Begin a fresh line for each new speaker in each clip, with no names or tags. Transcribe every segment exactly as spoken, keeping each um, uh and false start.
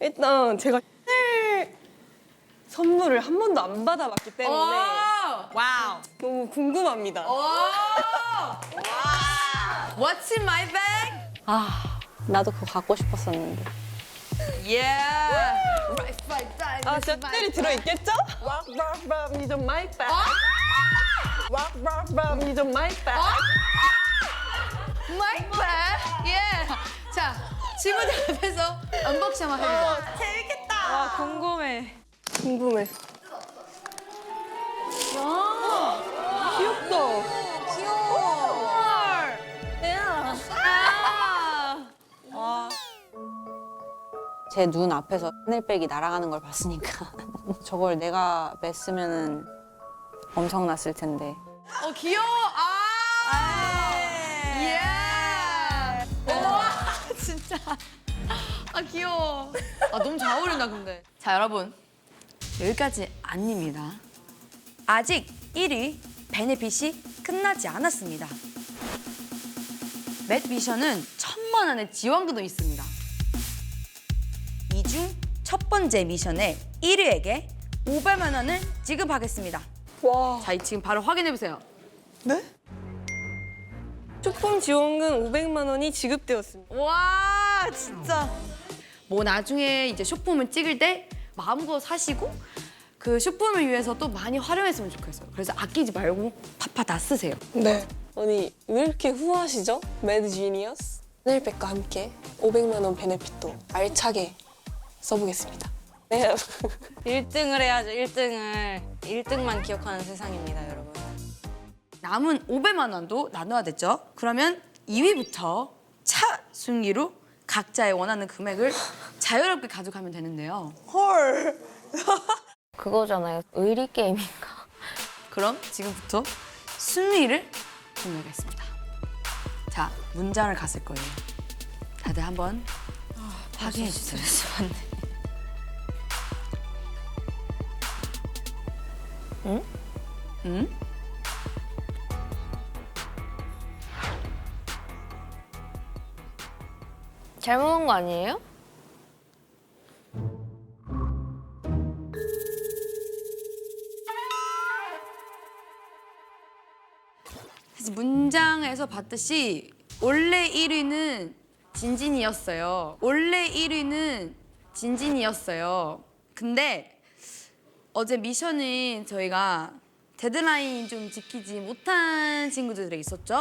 일단 제가 셀 선물을 한 번도 안 받아봤기 때문에
와우.
너무 궁금합니다.
What's in my bag?
아, 나도 그거 갖고 싶었었는데.
Yeah. Right, right, right.
아, 진짜 셀이 들어있겠죠? 왁왁왁 이좀 마이 백. 왁왁왁 이좀 마이 백.
My bag. Yeah. 자, 친구들 앞에서 언박싱 한번 해보자.
재밌겠다.
아, 궁금해.
궁금해. 귀엽다.
제 눈 앞에서 하늘백이 날아가는 걸 봤으니까 저걸 내가 맸으면은 엄청났을 텐데.
어, 귀여워. 아. 예. 와, 진짜. 아, 귀여워. 아, 너무 잘 어울린다, 근데. 자, 여러분. 여기까지 아닙니다. 아직 일 위 베네핏이 끝나지 않았습니다. 맷 미션은 천만 원의 지원금도 있습니다. 이 중 첫 번째 미션에 일 위에게 오백만 원을 지급하겠습니다.
와.
자, 지금 바로 확인해 보세요.
네? 쇼폼 지원금 오백만 원이 지급되었습니다.
와, 진짜. 뭐 나중에 이제 쇼폼을 찍을 때 마음껏 사시고 그 쇼폼을 위해서 또 많이 활용했으면 좋겠어요. 그래서 아끼지 말고 파파 다 쓰세요.
네. 아니 왜 이렇게 후하시죠? 매드 지니어스? 하늘백과 함께 오백만 원 베네핏도 알차게 써보겠습니다. 네.
일 등을 해야죠, 일 등을. 일 등만 기억하는 세상입니다, 여러분.
남은 오백만 원도 나눠야 됐죠? 그러면 이 위부터 차 순위로 각자의 원하는 금액을 자유롭게 가져가면 되는데요.
헐.
그거잖아요, 의리 게임인가?
그럼 지금부터 순위를 공개하겠습니다. 자, 문장을 갔을 거예요. 다들 한번 확인해 주세요.
응?
응?
잘못한 거 아니에요?
사실 문장에서 봤듯이 원래 일 위는 진진이었어요. 원래 일 위는 진진이었어요. 근데 어제 미션은 저희가 데드라인 좀 지키지 못한 친구들이 있었죠?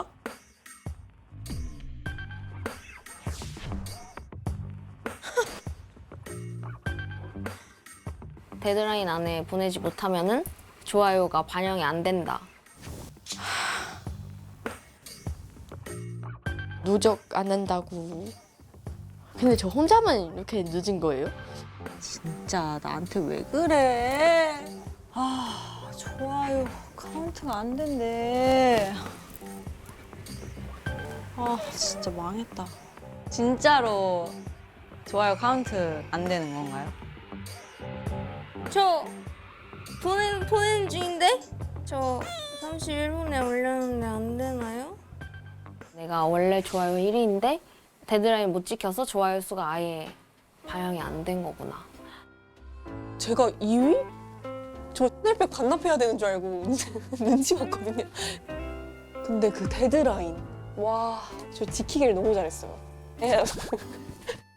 데드라인 안에 보내지 못하면은 좋아요가 반영이 안 된다.
누적 안 한다고. 근데 저 혼자만 이렇게 늦은 거예요?
진짜 나한테 왜 그래? 아, 좋아요. 카운트가 안 된대. 아, 진짜 망했다. 진짜로 좋아요 카운트 안 되는 건가요?
저 보낸 보낸 중인데 저 삼십일 분에 올렸는데 안 되나요? 내가 원래 좋아요 일 위인데 데드라인 못 지켜서 좋아요 수가 아예 반영이 안 된 거구나.
제가 이 위? 저 하늘백 반납해야 되는 줄 알고 눈치 봤거든요. 근데 그 데드라인. 와, 저 지키기를 너무 잘했어요. 예.